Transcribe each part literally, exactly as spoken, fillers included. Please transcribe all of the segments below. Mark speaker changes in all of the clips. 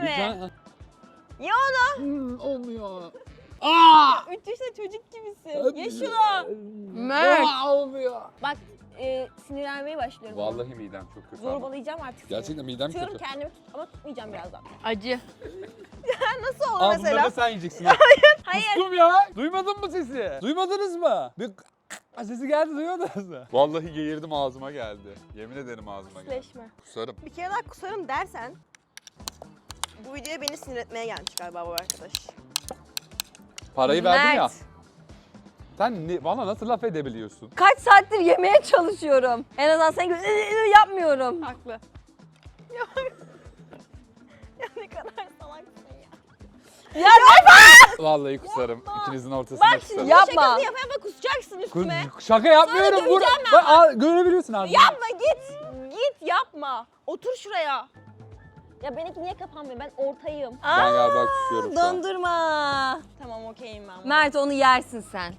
Speaker 1: mi?
Speaker 2: Lütfen.
Speaker 1: Ye onu.
Speaker 2: Hmm, olmuyor. Aa!
Speaker 1: üç yaşında çocuk gibisin. Ye şunu.
Speaker 3: Mert.
Speaker 2: Aa, olmuyor.
Speaker 1: Bak e, sinirlenmeye başlıyorum.
Speaker 2: Vallahi midem çok kötü. ama.
Speaker 1: Zorbalayacağım artık seni.
Speaker 2: Gerçekten midem
Speaker 1: Tutuyorum
Speaker 2: kötü.
Speaker 1: kendimi tut ama tutmayacağım birazdan.
Speaker 3: Acı.
Speaker 1: Nasıl olur
Speaker 2: Aa, bunları
Speaker 1: mesela?
Speaker 2: da sen yiyeceksin. Hayır.
Speaker 1: Hayır.
Speaker 2: Kustum ya. Duymadın mı sesi? Duymadınız mı? Bir sesi geldi, duymadınız mı? Vallahi geğirdim, ağzıma geldi. Yemin ederim ağzıma geldi.
Speaker 1: Pisleşme.
Speaker 2: Kusarım.
Speaker 1: Bir kere daha kusarım dersen bu videoya beni sinir etmeye gelmiş galiba bu arkadaş.
Speaker 2: Parayı verdin ya.
Speaker 3: Mert.
Speaker 2: Sen ne, bana nasıl laf edebiliyorsun?
Speaker 3: Kaç saattir yemeye çalışıyorum. En azından sen gibi yapmıyorum.
Speaker 1: Haklı. Ya, ya ne kadar salaksın ya.
Speaker 3: Ya yapma!
Speaker 2: Vallahi kusarım. İkinizin ortasına
Speaker 1: Bak
Speaker 2: kusarım.
Speaker 1: şimdi
Speaker 3: Yapma.
Speaker 1: şakasını yapa yapa kusacaksın üstüme.
Speaker 2: Kus- Şaka yapmıyorum.
Speaker 1: Sonra
Speaker 2: Bur
Speaker 1: döveceğim ben
Speaker 2: Bak, aa, görebiliyorsun abi.
Speaker 1: Yapma git. Git yapma. Otur şuraya. Ya benimki niye kapanmıyor? Ben ortayım.
Speaker 2: Ben galiba kusuyorum şu an.
Speaker 3: Dondurma.
Speaker 1: Tamam okeyim ben.
Speaker 3: Mert onu yersin sen.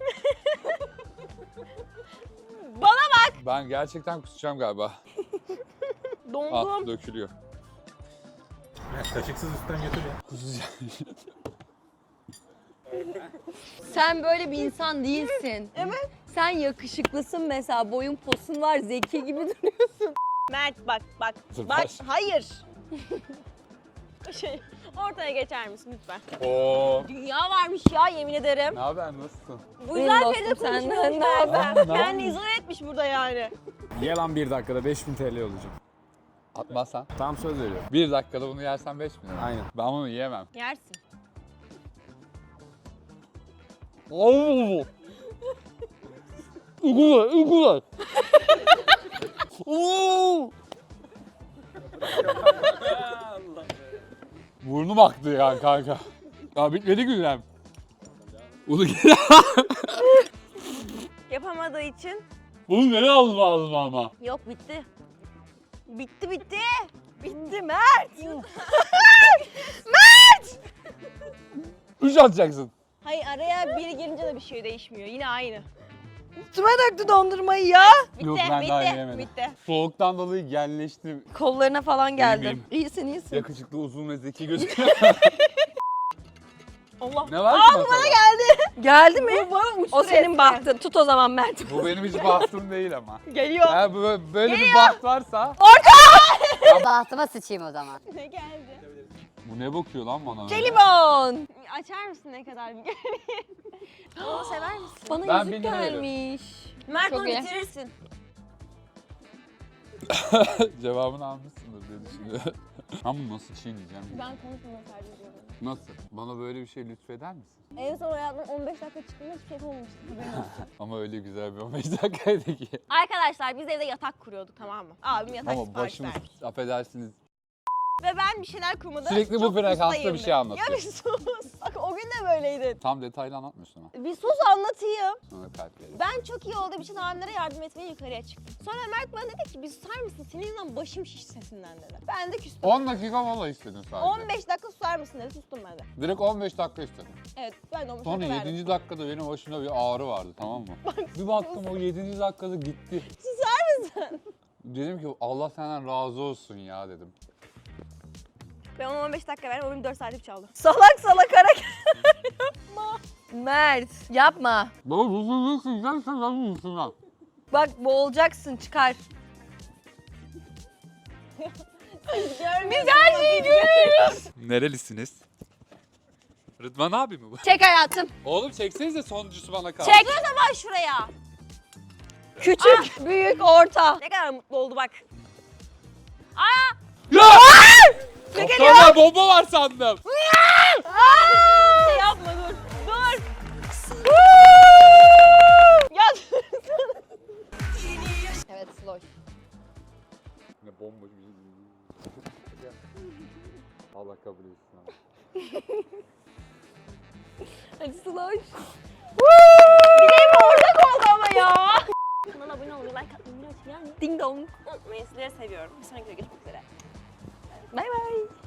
Speaker 1: Bana bak.
Speaker 2: Ben gerçekten kusacağım galiba.
Speaker 1: Dondum.
Speaker 2: Ah, dökülüyor.
Speaker 4: Kaşıksız üstten götür ya.
Speaker 2: Kusacağım.
Speaker 3: Sen böyle bir insan değilsin.
Speaker 1: Evet.
Speaker 3: Sen yakışıklısın mesela. Boyun posun var. Zeki gibi duruyorsun.
Speaker 1: Mert bak bak.
Speaker 2: Dur,
Speaker 1: Bak
Speaker 2: baş.
Speaker 1: hayır. şey ortaya geçer misin lütfen?
Speaker 2: Oo.
Speaker 1: Dünya varmış ya yemin ederim.
Speaker 2: Ne haber, nasılsın?
Speaker 1: Bu
Speaker 3: Benim
Speaker 1: yüzden
Speaker 3: dostum
Speaker 1: Feride
Speaker 3: senden
Speaker 1: konuşmuyormuş
Speaker 3: ne haber?
Speaker 1: meğerse.
Speaker 2: Aa, ne
Speaker 1: Kendini
Speaker 2: yapıyorsun?
Speaker 1: izole etmiş burada yani.
Speaker 4: Ye lan bir dakikada beş bin T L olacak.
Speaker 2: Atmazsan.
Speaker 4: Tam söz veriyorum.
Speaker 2: Bir dakikada bunu yersen beş bin lira.
Speaker 4: Aynen.
Speaker 2: Ben bunu yiyemem.
Speaker 1: Yersin.
Speaker 2: Oo. Uygula, uygula. Oo. Burnum aktı ya kanka. Ya bitmedi gündem. Bunu geri
Speaker 1: Yapamadığı için.
Speaker 2: Bunu nereye aldın ağzıma ama?
Speaker 1: Yok bitti. Bitti bitti. Bitti Mert.
Speaker 2: Üç atacaksın.
Speaker 1: Hayır araya biri girince de bir şey değişmiyor. Yine aynı.
Speaker 3: Üstüme döktü dondurmayı ya.
Speaker 1: Bitti
Speaker 2: Yok, ben
Speaker 1: bitti.
Speaker 2: daha yiyemedim.
Speaker 1: Bitti.
Speaker 2: Soğuktan dolayı genleştim.
Speaker 3: Kollarına falan geldi.
Speaker 2: Benim.
Speaker 3: İyisin iyisin.
Speaker 2: Yakışıklı, uzun ve zeki gözüküyor.
Speaker 1: Allah.
Speaker 2: Ne var ki
Speaker 1: Aa bu
Speaker 2: masada?
Speaker 1: bana geldi.
Speaker 3: Geldi mi?
Speaker 1: Bu bana uçtu
Speaker 3: O senin
Speaker 1: resmen.
Speaker 3: bahtın. Tut o zaman Mert.
Speaker 2: Bu benim hiç bahtım değil ama.
Speaker 1: Geliyor.
Speaker 2: Eğer bu- böyle bir baht varsa...
Speaker 5: Bahtıma sıçayım o zaman.
Speaker 1: Ne geldi?
Speaker 2: Bu ne bakıyor lan bana? öyle?
Speaker 3: Jelibon.
Speaker 1: Açar mısın ne kadar bir göreyim? Onu sever misin?
Speaker 3: Bana
Speaker 2: Ben
Speaker 3: yüzük
Speaker 2: bin lira veriyorum.
Speaker 3: gelmiş.
Speaker 1: Mert
Speaker 3: Çok
Speaker 1: onu
Speaker 3: iyi.
Speaker 1: bitirirsin.
Speaker 2: Cevabını almışsındır diye düşünüyorum. Ben bunu nasıl çiğneyeceğim?
Speaker 1: Ben konuşmamayı tercih ediyorum.
Speaker 2: Nasıl? Bana böyle bir şey lütfeder misin?
Speaker 1: En son hayatımın on beş dakika çıktığında hiçbir şey olmamıştı. Haberin olsun.
Speaker 2: Ama öyle güzel bir on beş dakikaydı ki.
Speaker 1: Arkadaşlar biz evde yatak kuruyorduk tamam mı? Abim yatak
Speaker 2: Ama
Speaker 1: sipariş
Speaker 2: başımız,
Speaker 1: vermiş.
Speaker 2: affedersiniz.
Speaker 1: Ve ben bir şeyler kurmada
Speaker 2: Sürekli bu
Speaker 1: çok
Speaker 2: frekansta
Speaker 1: ustayım
Speaker 2: bir şey
Speaker 1: de.
Speaker 2: anlatıyor.
Speaker 1: Ya bir sus. Bak o gün de böyleydin.
Speaker 2: Tam detaylı anlatmıyorsun ama.
Speaker 1: Bir sus anlatayım.
Speaker 2: Sonra kalp verir.
Speaker 1: Ben çok iyi olduğum için abimlere yardım etmeye yukarıya çıktım. Sonra Mert bana dedi ki bir susar mısın? Senin yüzünden başım şiş sesinden dedi. Ben de küstüm.
Speaker 2: on dakika mola istedin sadece.
Speaker 1: on beş dakika susar mısın dedi. Sustum ben de.
Speaker 2: Direkt on beş dakika istedim.
Speaker 1: Evet ben de on beş
Speaker 2: Sonra
Speaker 1: dakika verdim.
Speaker 2: yedinci dakikada benim başımda bir ağrı vardı, tamam mı? Bir baktım o yedinci dakikada gitti.
Speaker 1: Susar mısın?
Speaker 2: Dedim ki Allah senden razı olsun ya dedim.
Speaker 1: Ben ona on beş dakika verdim. O benim dört saatlik çaldı.
Speaker 3: Salak salak hareket yapma. Mert yapma.
Speaker 2: Baba bu sözü sıcaksa ben mısın lan?
Speaker 3: Bak boğulacaksın çıkar.
Speaker 1: Biz her şeyi görüyoruz.
Speaker 2: Nerelisiniz? Rıdvan abi mi bu?
Speaker 3: Çek hayatım.
Speaker 2: Oğlum çeksenize, sonuncusu bana kaldı.
Speaker 3: Çek.
Speaker 1: O zaman şuraya.
Speaker 3: Küçük, büyük, orta.
Speaker 1: Ne kadar mutlu oldu bak.
Speaker 2: Ya! Kaptanlar bomba var sandım.
Speaker 1: Şey yapma dur. Dur. ya
Speaker 3: Evet slow.
Speaker 2: Ne bomba bir Allah kabul etsin abi.
Speaker 3: Hadi slow.
Speaker 1: Bileğim ortak oldu ama ya. Kanala abone olmayı, like atmayı, unutmayın.
Speaker 3: Ding dong.
Speaker 1: Unutmayın. Sizleri seviyorum. Bir sonraki videoda görüşmek üzere.
Speaker 3: Bay bay.